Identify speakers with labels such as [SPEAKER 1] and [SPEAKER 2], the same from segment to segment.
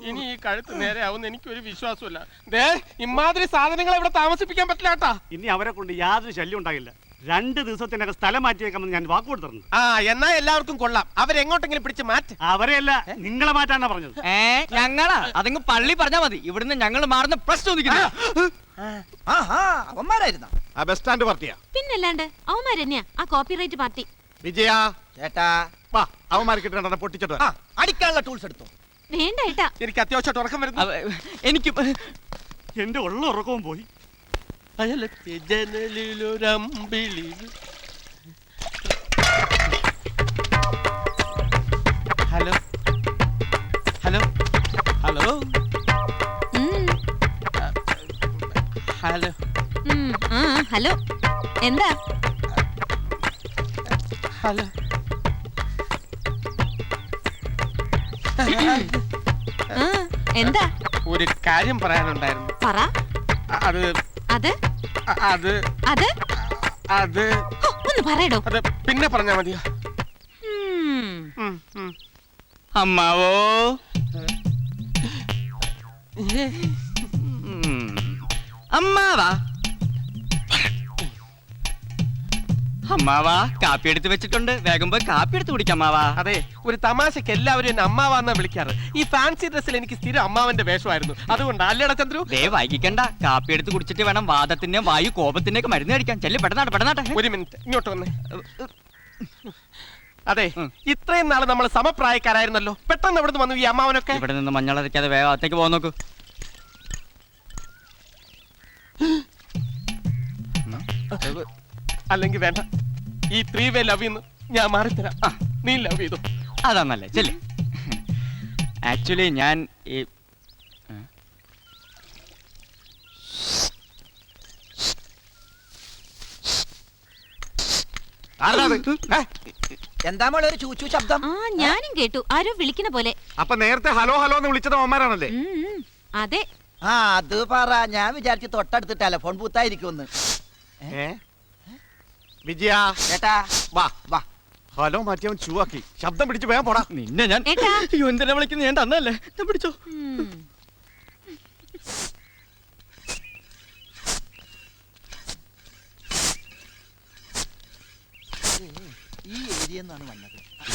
[SPEAKER 1] ഇനി ഈ കഴുത്ത് നേരെ ആവുന്ന എനിക്കൊരു വിശ്വാസമില്ല. ദേ ഇമാതിരി സാധനങ്ങളെ ഇവിടെ താമസിപ്പിക്കാൻ പറ്റില്ല കേട്ടാ.
[SPEAKER 2] ഇനി അവരെ കൊണ്ട് യാതൊരു ശല്യം ഉണ്ടാകില്ല. 2 ദിവസത്തിനകം സ്ഥലം മാറ്റിയേക്കാമെന്ന് ഞാൻ വാക്ക് കൊടുത്തിരുന്നു.
[SPEAKER 1] ആ എന്നാ എല്ലാവർക്കും കൊള്ളാം. അവരെങ്ങോട്ടെങ്കിലും പിടിച്ച് മാറ്റ്.
[SPEAKER 2] അവരെയല്ല, നിങ്ങളെ മാറ്റാനാ പറഞ്ഞത്.
[SPEAKER 3] ഞങ്ങളാ അതങ്ങ് പള്ളി പറഞ്ഞാ മതി. ഇവിടുന്ന് ഞങ്ങൾ മാറുന്ന പ്രശ്നം
[SPEAKER 4] അവന്മാരായിരുന്ന
[SPEAKER 5] ആ ബസ് സ്റ്റാൻഡ് പാർട്ടിയാ.
[SPEAKER 6] പിന്നല്ലാണ്ട് അവന്മാർ തന്നെയാ ആ കോപ്പിറൈറ്റ് പാർട്ടി.
[SPEAKER 5] വിജയ
[SPEAKER 4] ചേട്ടാ
[SPEAKER 5] വാ, അവന്മാർക്ക് കിട്ടേണ്ട പൊട്ടിച്ചിട്ട് വരാം.
[SPEAKER 4] അടിക്കാനുള്ള ടൂൾസ് എടുത്തു.
[SPEAKER 6] വേണ്ട ഏട്ടാ,
[SPEAKER 1] എനിക്ക് അത്യാവശ്യമായിട്ട് ഉറക്കം വരുന്നു.
[SPEAKER 3] എനിക്ക്
[SPEAKER 2] എന്റെ ഉള്ള ഉറക്കവും പോയി.
[SPEAKER 1] അയലത്തെ ജനലിലൊരമ്പിളി. Hello hello hello hello
[SPEAKER 6] hello എന്താ?
[SPEAKER 1] ഹലോ
[SPEAKER 6] എന്താ?
[SPEAKER 1] ഒരു കാര്യം പറയാനുണ്ടായിരുന്നു.
[SPEAKER 6] പറ.
[SPEAKER 1] അത്
[SPEAKER 6] അത്
[SPEAKER 1] അത്
[SPEAKER 6] അത്
[SPEAKER 1] അത്
[SPEAKER 6] ഒന്ന് പറയടോ.
[SPEAKER 1] അത് പിന്നെ പറഞ്ഞാ മതിയോ?
[SPEAKER 3] അമ്മാവോ അമ്മാവാ അമ്മാവാ കാപ്പി എടുത്ത് വെച്ചിട്ടുണ്ട്. വേഗം പോയി കാപ്പി എടുത്ത് കുടിക്കാം അമ്മാവാ.
[SPEAKER 1] അതെ, ഒരു തമാശക്ക് എല്ലാവരും എന്നെ അമ്മാവാന്നാ വിളിക്കാറ്. ഈ ഫാൻസി ഡ്രസ്സിൽ എനിക്ക് സ്ഥിരം അമ്മാവന്റെ വേഷമായിരുന്നു. അതുകൊണ്ട് അല്ലേടാ ചന്ദ്രു?
[SPEAKER 3] ദേ വൈകിക്കണ്ട. കാപ്പി എടുത്ത് കുടിച്ചിട്ട് വേണം വാദത്തിന്റെ വായു കോപത്തിന്റെ ഒക്കെ മരുന്ന് കഴിക്കാൻ. ചെല്ലി പെട്ടെന്നാട്ടെ പെട്ടെന്നാട്ടെ.
[SPEAKER 1] ഒരു മിനിറ്റ് ഇങ്ങോട്ട് വന്നേ. അതെ, ഇത്രയും നാള് നമ്മൾ സമപ്രായക്കാരായിരുന്നല്ലോ. പെട്ടെന്ന് എവിടെ വന്നു ഈ അമ്മാവനൊക്കെ?
[SPEAKER 3] ഇവിടെ നിന്ന് മഞ്ഞളരയ്ക്കാതെ വേഗം അകത്തേക്ക് പോകാൻ നോക്കൂ.
[SPEAKER 1] അല്ലെങ്കിൽ വേണ്ട, ഈ 3-way ലവ് ഞാൻ മാറിത്തരാം. നീ ലവ് ചെയ്തു.
[SPEAKER 3] അതാന്നല്ലേ ചെല്ലി. ആക്ച്വലി ഞാൻ ഈ
[SPEAKER 4] എന്താ മോളെ ഒരു ചൂച്ചു ശബ്ദം?
[SPEAKER 6] ആ ഞാനും കേട്ടു, ആരോ വിളിക്കുന്ന പോലെ.
[SPEAKER 5] അപ്പൊ നേരത്തെ ഹലോ ഹലോ എന്ന് വിളിച്ചത് അവന്മാരാണല്ലേ?
[SPEAKER 6] അതെ.
[SPEAKER 4] ആ അത് പറ. ഞാൻ വിചാരിച്ചു തൊട്ടടുത്ത് ടെലഫോൺ ബൂത്തായിരിക്കുമെന്ന്.
[SPEAKER 5] വിജയ
[SPEAKER 4] ചേട്ടാ
[SPEAKER 5] വാ
[SPEAKER 4] വാ.
[SPEAKER 5] ഹലോ മാറ്റിയവൻ ചൂവാക്കി. ശബ്ദം പിടിച്ച് വേഗം പോടാ.
[SPEAKER 3] നിന്നെ ഞാൻ
[SPEAKER 6] ഏട്ടാ.
[SPEAKER 3] എന്തിനാ വിളിക്കുന്നത്? ഞാൻ തന്നല്ലേ, ഞാൻ പിടിച്ചോ.
[SPEAKER 4] ഈ ഏരിയ നിന്നാണ് വന്നത്.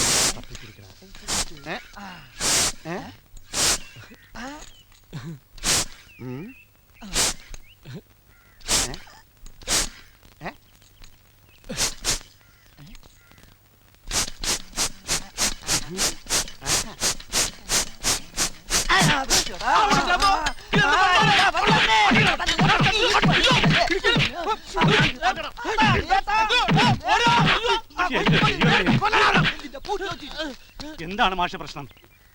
[SPEAKER 2] എന്താണ് മാഷ പ്രശ്നം?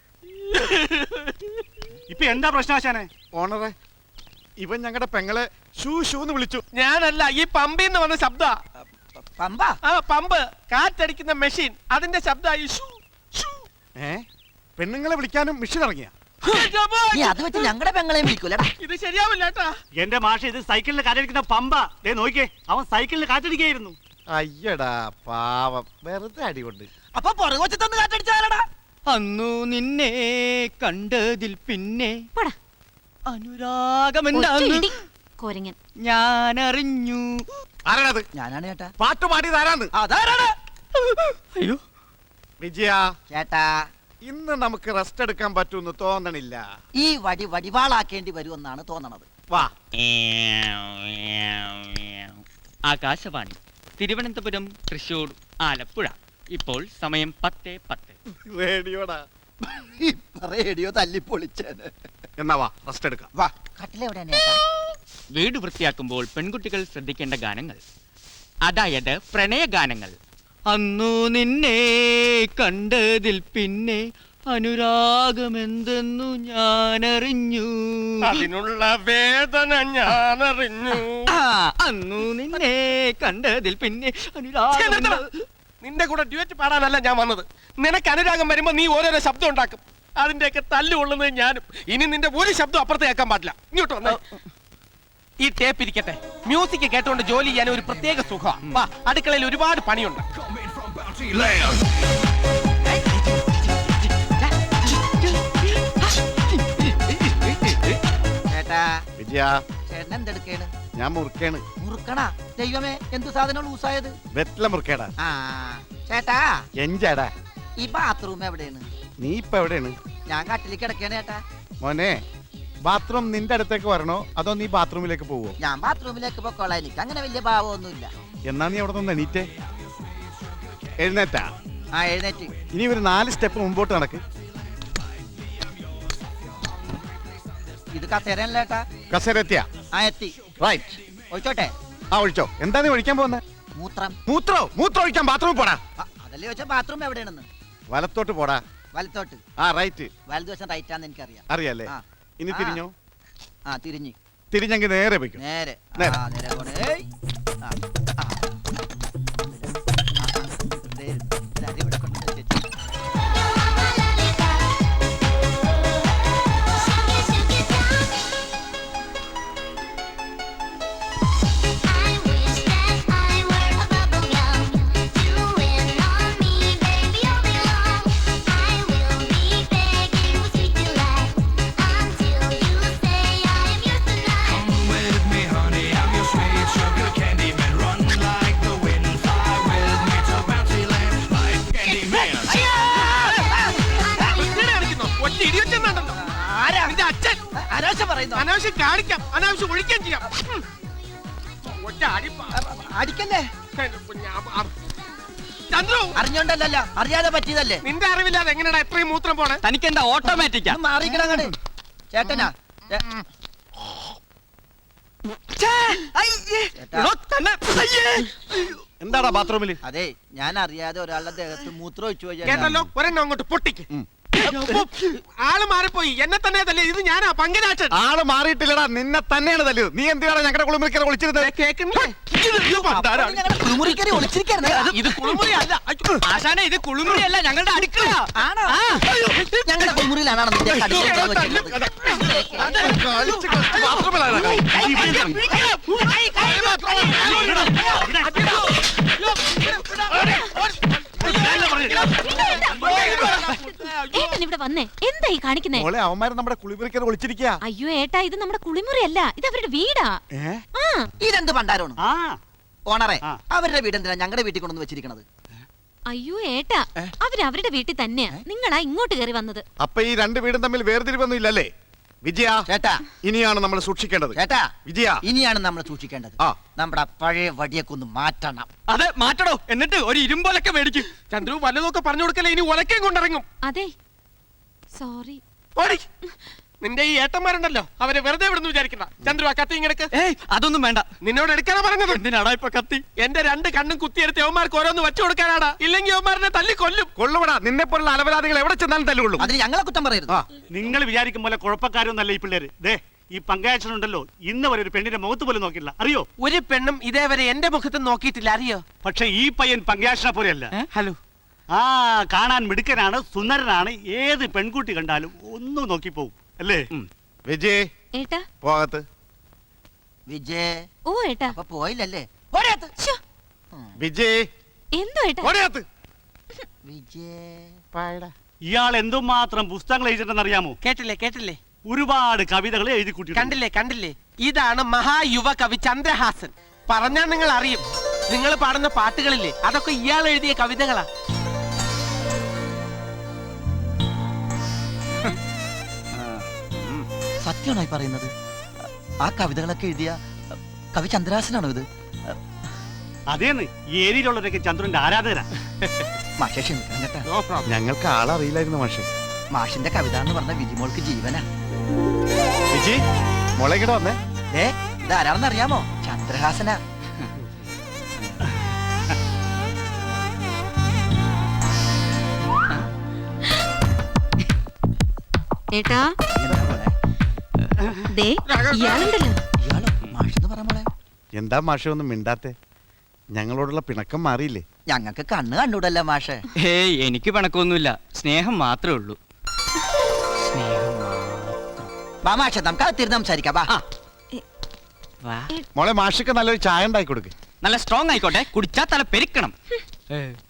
[SPEAKER 2] ഇപ്പൊ എന്താ പ്രശ്നാശാനെ?
[SPEAKER 5] ഓണറെ, ഇവൻ ഞങ്ങളുടെ പെങ്ങളെ ഷൂ ഷൂ എന്ന് വിളിച്ചു.
[SPEAKER 1] ഞാനല്ല, ഈ പമ്പിന്ന് വന്ന ശബ്ദ.
[SPEAKER 4] പമ്പ?
[SPEAKER 1] ആ പമ്പ്, കാറ്റടിക്കുന്ന മെഷീൻ, അതിന്റെ ശബ്ദമായി.
[SPEAKER 5] പെണ്ണുങ്ങളെ വിളിക്കാനും മിഷൻ ഇറങ്ങിയ?
[SPEAKER 4] നീ അത് വെച്ച് ഞങ്ങളുടെ പെങ്ങളെയും വിളിക്കൂലടാ.
[SPEAKER 1] ഇത് ശരിയാവില്ല കേട്ടാ.
[SPEAKER 2] എന്റെ മാഷ, ഇത് സൈക്കിളിൽ കാറ്റടിക്കുന്ന പമ്പ. ദേ നോക്കിയേ, അവൻ സൈക്കിളിൽ കാറ്റടിക്കായിരുന്നു.
[SPEAKER 5] അയ്യടാ പാവം, വെറുതെ അടികൊണ്ട്.
[SPEAKER 4] അപ്പൊ പുറകുവച്ച് തന്ന് കാറ്റടിച്ചാലടാ.
[SPEAKER 3] അന്നു നിന്നെ കണ്ടതിൽ പിന്നെ അനുരാഗമെന്താന്ന്
[SPEAKER 6] കോരങ്ങൻ
[SPEAKER 3] ഞാൻ അറിഞ്ഞു.
[SPEAKER 5] ആരാണത്?
[SPEAKER 4] ഞാനാണ് ചേട്ടാ.
[SPEAKER 5] പാട്ട് പാടിയത് ആരാന്ന്?
[SPEAKER 4] അതാരാണ്?
[SPEAKER 3] അയ്യോ
[SPEAKER 5] വിജയ
[SPEAKER 4] ചേട്ടാ,
[SPEAKER 5] ഇന്ന് നമുക്ക് റെസ്റ്റ് എടുക്കാൻ പറ്റൂന്ന് തോന്നണില്ല.
[SPEAKER 4] ഈ വടി വടിവാളാക്കേണ്ടി വരുമെന്നാണ് തോന്നണത്.
[SPEAKER 5] വാ.
[SPEAKER 3] ആകാശവാണി തിരുവനന്തപുരം, തൃശൂർ, ആലപ്പുഴ. ഇപ്പോൾ സമയം 10:10.
[SPEAKER 5] റേഡിയോടാ.
[SPEAKER 4] റേഡിയോ തല്ലിപ്പൊളിച്ചേന്.
[SPEAKER 5] എന്നാ വാ, റെസ്റ്റ് എടുക്കാം.
[SPEAKER 4] വാ. കട്ടിലെവിടെയാണ് ചേട്ടാ?
[SPEAKER 3] വീട് വൃത്തിയാക്കുമ്പോൾ പെൺകുട്ടികൾ ശ്രദ്ധിക്കേണ്ട ഗാനങ്ങൾ, അതായത് പ്രണയ ഗാനങ്ങൾ. അന്നു നിന്നെ കണ്ടതിൽ പിന്നെ അനുരാഗമെന്തെന്നു ഞാനറിഞ്ഞു.
[SPEAKER 1] അതിനുള്ള വേദന ഞാനറിഞ്ഞു.
[SPEAKER 3] അന്നു നിന്നെ കണ്ടതിൽ പിന്നെ അനുരാഗം.
[SPEAKER 1] നിന്റെ കൂടെ ഡ്യൂറ്റ് പാടാനല്ല ഞാൻ വന്നത്. നിനക്ക് അനുരാഗം വരുമ്പോ നീ ഓരോരോ ശബ്ദം ഉണ്ടാക്കും. അതിന്റെയൊക്കെ തല്ലുകൊള്ളുന്നത് ഞാനും. ഇനി നിന്റെ ഒരു ശബ്ദം അപ്പുറത്ത് കേൾക്കാൻ പാടില്ല. ഇങ്ങോട്ട് വന്നേ. ഈ ടേപ്പ് ഇരിക്കട്ടെ. മ്യൂസിക് കേട്ടോണ്ട് ജോലി ചെയ്യാൻ ഒരു പ്രത്യേക സുഖമാണ്. അടുക്കളയിൽ ഒരുപാട് പണിയുണ്ട്.
[SPEAKER 5] വിജയ
[SPEAKER 4] ചേട്ടൻ എന്തെടുക്കേണ്?
[SPEAKER 5] ഞാൻ മുറുക്കേണ്.
[SPEAKER 4] മുറുക്കണ? ദൈവമേ, എന്ത് സാധനം ലൂസായത്?
[SPEAKER 5] വെറ്റില മുറുക്കേടാ.
[SPEAKER 4] ആ ചേട്ടാ,
[SPEAKER 5] എഞ്ചാടാ.
[SPEAKER 4] ഈ ബാത്റൂം എവിടെയാണ്?
[SPEAKER 5] നീ ഇപ്പൊ എവിടെയാണ്?
[SPEAKER 4] ഞാൻ കട്ടിലേക്ക് കിടക്കേണ് ചേട്ടാ.
[SPEAKER 5] മോനെ, ബാത്റൂം നിന്റെ അടുത്തേക്ക് വരണോ അതോ നീ ബാത്റൂമിലേക്ക് പോവോ?
[SPEAKER 4] ഞാൻ ബാത്റൂമിലേക്ക് പൊക്കോളാം, എനിക്ക് അങ്ങനെ വലിയ ഭാവമൊന്നുമില്ല.
[SPEAKER 5] എന്നാ നീ അവിടെ നിന്ന് എണീറ്റേ. എഴുന്നേറ്റാ.
[SPEAKER 4] ആ എഴുന്നേറ്റ്.
[SPEAKER 5] ഇനി ഒരു 4 സ്റ്റെപ്പ് മുമ്പോട്ട് നടക്ക്.
[SPEAKER 4] ഇത് കസേരയല്ല ചേട്ടാ.
[SPEAKER 5] കസേരത്തിയാ?
[SPEAKER 4] ആ എത്തി.
[SPEAKER 5] റൈറ്റ്.
[SPEAKER 4] ഒഴിച്ചോട്ടെ?
[SPEAKER 5] ആ ഒഴിച്ചോ. എന്താ നീ ഒഴിക്കാൻ പോകുന്നത്?
[SPEAKER 4] മൂത്രം.
[SPEAKER 5] മൂത്രം ഒഴിക്കാൻ ബാത്റൂമിൽ പോടാ.
[SPEAKER 4] അതല്ലേ ചോദിച്ചാ ബാത്റൂം എവിടെയാണെന്ന്.
[SPEAKER 5] വലത്തോട്ട് പോടാ.
[SPEAKER 4] വലത്തോട്ട്?
[SPEAKER 5] ആ റൈറ്റ്.
[SPEAKER 4] വലതുവശം റൈറ്റാന്ന് എനിക്കറിയാം.
[SPEAKER 5] അറിയാലേ?
[SPEAKER 4] ആ.
[SPEAKER 5] ഇനി
[SPEAKER 4] ആ.
[SPEAKER 5] തിരിഞ്ഞോ.
[SPEAKER 4] ആ തിരിഞ്ഞ്.
[SPEAKER 5] തിരിഞ്ഞെങ്കിൽ നേരെ വെക്കും.
[SPEAKER 4] നേരെ.
[SPEAKER 5] നേരെ.
[SPEAKER 4] ആ നേരെ പോണേ. ഏയ്. ആ, ആ. ദേ, ദാ ഇവിടെ കൊണ്ടുവന്ന് വെച്ചേച്ച്.
[SPEAKER 1] വൃത്തികേട് കാണിക്കുന്നോ? ഒറ്റ idiot എന്നാണല്ലോ.
[SPEAKER 4] ആരാ?
[SPEAKER 1] നിന്റെ അച്ഛൻ.
[SPEAKER 4] അനാവശ്യം പറയുന്നു.
[SPEAKER 1] അനാവശ്യം കാണിക്കാം, അനാവശ്യം ഒഴിക്കുകയും ചെയ്യാം. ഒറ്റ അടിപ്പാ.
[SPEAKER 4] അടിക്കല്ലേ?
[SPEAKER 1] എന്റെ ചന്ദ്രു,
[SPEAKER 4] അറിഞ്ഞോണ്ടല്ലോ, അറിയാതെ പറ്റിയതല്ലേ.
[SPEAKER 1] നിന്റെ അറിവില്ലാതെ എങ്ങനെയാ എത്രയും മൂത്രം പോണേ?
[SPEAKER 3] തനിക്ക് എന്താ ഓട്ടോമാറ്റിക്കാ?
[SPEAKER 4] മാറിക്കണ അങ്ങട്. ചേട്ടനാ?
[SPEAKER 5] എന്താടാ ബാത്റൂമിൽ?
[SPEAKER 4] അതെ, ഞാൻ അറിയാതെ ഒരാളുടെ ദേഹത്ത് മൂത്രം ഒഴിച്ചു പോയി.
[SPEAKER 1] കേട്ടല്ലോ, ഒരെണ്ണം അങ്ങോട്ട് പൊട്ടിക്ക്. ആള് മാറിപ്പോയി. എന്നെ തന്നെ തല്ലേ. ഇത് ഞാനാ പങ്കജാക്ഷൻ.
[SPEAKER 5] ആള് മാറിയിട്ടില്ലടാ, നിന്നെ തന്നെയാണ് തല്ലിയത്. നീ എന്തിനാണ് ഞങ്ങളുടെ കുളിമുറിക്കര വിളിച്ചിരുന്നത്?
[SPEAKER 1] കേൾക്കുന്നില്ലേ?
[SPEAKER 4] കുളിമുറിക്കറി ഒളിച്ചിരിക്കായിരുന്നു.
[SPEAKER 1] ഇത് കുളിമുറി അല്ല.
[SPEAKER 3] ആശാനെ, ഇത് കുളിമുറി അല്ല, ഞങ്ങളുടെ അടുക്കള.
[SPEAKER 4] ആണോ? ഞങ്ങളുടെ കുളിമുറിയിലാണ് നിന്റെ കടുവ വെച്ചിട്ടുള്ളത്.
[SPEAKER 5] ബാത്റൂമിലാണ്
[SPEAKER 6] ഏട്ടൻ ഇവിടെ വന്നേ, എന്താ ഈ കാണിക്കുന്നേ?
[SPEAKER 5] മോളെ, അവന്മാര് നമ്മുടെ കുളിമുറിക്കര വിളിച്ചിരിക്കുക.
[SPEAKER 6] അയ്യോ ഏട്ടാ, ഇത് നമ്മുടെ കുളിമുറി അല്ല, ഇത് അവരുടെ വീടാ. ആ
[SPEAKER 4] ഇതെന്ത് പണ്ടാരാണ്?
[SPEAKER 2] ആ
[SPEAKER 4] ഓണറെ,
[SPEAKER 2] ആ.
[SPEAKER 4] അവരുടെ വീടെന്തിനാ ഞങ്ങളുടെ വീട്ടിൽ കൊണ്ടുവന്ന് വെച്ചിരിക്കണത്?
[SPEAKER 6] അയ്യോ ഏട്ടാ, അവരവരുടെ വീട്ടിൽ തന്നെയാ, നിങ്ങളാ ഇങ്ങോട്ട് കയറി വന്നത്.
[SPEAKER 5] അപ്പൊ ഈ 2 വീടും തമ്മിൽ വേർതിരിവൊന്നും ഇല്ലല്ലേ? വിജയ,
[SPEAKER 4] ചേട്ടാ,
[SPEAKER 5] ഇനിയാണ് നമ്മൾ സൂക്ഷിക്കേണ്ടത്.
[SPEAKER 4] ചേട്ടാ,
[SPEAKER 5] വിജയ,
[SPEAKER 4] ഇനിയാണ് നമ്മൾ സൂക്ഷിക്കേണ്ടത്.
[SPEAKER 5] ആ.
[SPEAKER 4] നമ്മുടെ പഴയ വടിയൊക്കെ ഒന്ന് മാറ്റണം.
[SPEAKER 3] അതെ, മാറ്റടോ. എന്നിട്ട് ഒരു ഇരുമ്പൊലൊക്കെ മേടിക്കും.
[SPEAKER 1] ചന്ദ്രു, വല്ലതൊക്കെ പറഞ്ഞു കൊടുക്കല്ലേ. ഇനി ഒലക്കേം കൊണ്ടിറങ്ങും.
[SPEAKER 6] അതെ, സോറി.
[SPEAKER 1] ഓടി. നിന്റെ ഈ ഏട്ടന്മാരുണ്ടല്ലോ, അവരെ വെറുതെ വിടുന്നു വിചാരിക്കണ്ട. ചന്ദ്രു, ആ കത്തി ഇങ്ങനെക്ക്.
[SPEAKER 3] ഏയ്, അതൊന്നും വേണ്ട.
[SPEAKER 1] നിന്നോട് എടുക്കാനാ പറഞ്ഞത്.
[SPEAKER 3] എന്തിനാടാ ഇപ്പൊ കത്തി?
[SPEAKER 1] എന്റെ 2 കണ്ണും കുത്തിയെടുത്ത് യവന്മാർക്ക് ഓരോന്ന് വെച്ചു കൊടുക്കാനാടാ. ഇല്ലെങ്കിൽ യവന്മാരനെ തല്ലി കൊല്ലും.
[SPEAKER 5] കൊള്ളുവിടാ. നിന്നെ പോലുള്ള അലവരാധികൾ എവിടെ ചെന്നാലും തല്ലുകൊള്ളും.
[SPEAKER 4] അതിന് ഞങ്ങളെ കുറ്റം പറയരുത്.
[SPEAKER 5] ആ.
[SPEAKER 2] നിങ്ങൾ വിചാരിക്കും പോലെ കുഴപ്പക്കാരൊന്നല്ല ഈ പിള്ളേര്. ദേ, ഈ പങ്കായച്ചനുണ്ടല്ലോ, ഇന്ന് വരെ ഒരു പെണ്ണിന്റെ മുഖത്ത് പോലും നോക്കില്ല. അറിയോ?
[SPEAKER 1] ഒരു പെണ്ണും ഇതേവരെ എന്റെ മുഖത്ത് നോക്കിയിട്ടില്ല. അറിയോ?
[SPEAKER 2] പക്ഷെ ഈ പയ്യൻ പങ്കായച്ചനെ പോലെയല്ല.
[SPEAKER 1] ഹലോ.
[SPEAKER 2] ആ, കാണാൻ മിടുക്കനാണ്, സുന്ദരനാണ്. ഏത് പെൺകുട്ടി കണ്ടാലും ഒന്നും നോക്കിപ്പോവും അല്ലേ?
[SPEAKER 5] വിജയ്,
[SPEAKER 6] ഏട്ടാ.
[SPEAKER 5] പോകത്ത്.
[SPEAKER 4] വിജയ്.
[SPEAKER 6] ഓ ഏട്ടാ.
[SPEAKER 4] അപ്പൊ പോയില്ലല്ലേ? ഓടിയത്ത്.
[SPEAKER 6] ശ്ശോ,
[SPEAKER 5] വിജയ്,
[SPEAKER 6] എന്തോ ഏട്ടാ?
[SPEAKER 5] ഓടിയത്ത്.
[SPEAKER 4] വിജയ്.
[SPEAKER 2] ഇയാൾ എന്തുമാത്രം പുസ്തകങ്ങൾ എഴുതിയിട്ടുണ്ടെന്ന് അറിയാമോ?
[SPEAKER 1] കേട്ടില്ലേ?
[SPEAKER 2] ഒരുപാട് കവിതകൾ എഴുതി കൂട്ടിയിട്ടുണ്ട്.
[SPEAKER 1] കണ്ടില്ലേ? ഇതാണ് മഹായുവ കവി ചന്ദ്രഹാസൻ. പറഞ്ഞാൽ നിങ്ങൾ അറിയും. നിങ്ങൾ പാടുന്ന പാട്ടുകളില്ലേ, അതൊക്കെ ഇയാൾ എഴുതിയ കവിതകളാ.
[SPEAKER 4] സത്യമാണോ പറയുന്നത്? ആ കവിതകളൊക്കെ എഴുതിയ കവി ചന്ദ്രഹാസനാണോ ഇത്?
[SPEAKER 2] അതേന്ന്, ഈ ഏരിയയിലുള്ളവരൊക്കെ ചന്ദ്രന്റെ ആരാധകരാ.
[SPEAKER 4] മാഷെ ക്ഷമിക്കണം കേട്ടാ.
[SPEAKER 1] No problem.
[SPEAKER 5] ഞങ്ങൾക്ക് ആളറിയില്ലായിരുന്നു മാഷെ.
[SPEAKER 4] മാഷിന്റെ കവിത എന്ന് പറഞ്ഞ വിജിമോൾക്ക് ജീവനാ.
[SPEAKER 5] വിജയ്, മോളെ ഇങ്ങോട്ട് വന്നേ.
[SPEAKER 4] ഇതാരാണെന്ന് അറിയാമോ? ചന്ദ്രഹാസനാ.
[SPEAKER 6] ഏട്ടാ,
[SPEAKER 4] എന്താ മോളെ?
[SPEAKER 6] ദേ ഇയാളുണ്ടല്ലോ.
[SPEAKER 4] ഇയാളോ? മാഷെന്ന് പറ മോളെ.
[SPEAKER 5] എന്താ മാഷെ ഒന്നും മിണ്ടാത്തെ? ഞങ്ങളോടുള്ള പിണക്കം മാറിയില്ലേ?
[SPEAKER 4] ഞങ്ങൾക്ക് കണ്ണ് കണ്ടൂടല്ല മാഷെ.
[SPEAKER 3] ഏയ്, എനിക്ക് പിണക്കൊന്നുമില്ല, സ്നേഹം മാത്രമേ ഉള്ളൂ. സ്നേഹം
[SPEAKER 4] വാ മാഷെ, നമുക്ക് അകത്തിരുന്ന് സംസാരിക്കാം. വാ.
[SPEAKER 3] വാ.
[SPEAKER 5] മോളെ, മാഷക്ക് നല്ലൊരു ചായ ഉണ്ടാക്കി കൊടുക്ക്.
[SPEAKER 3] നല്ല സ്ട്രോങ് ആയിക്കോട്ടെ, കുടിച്ചാ തല പെരുക്കണം.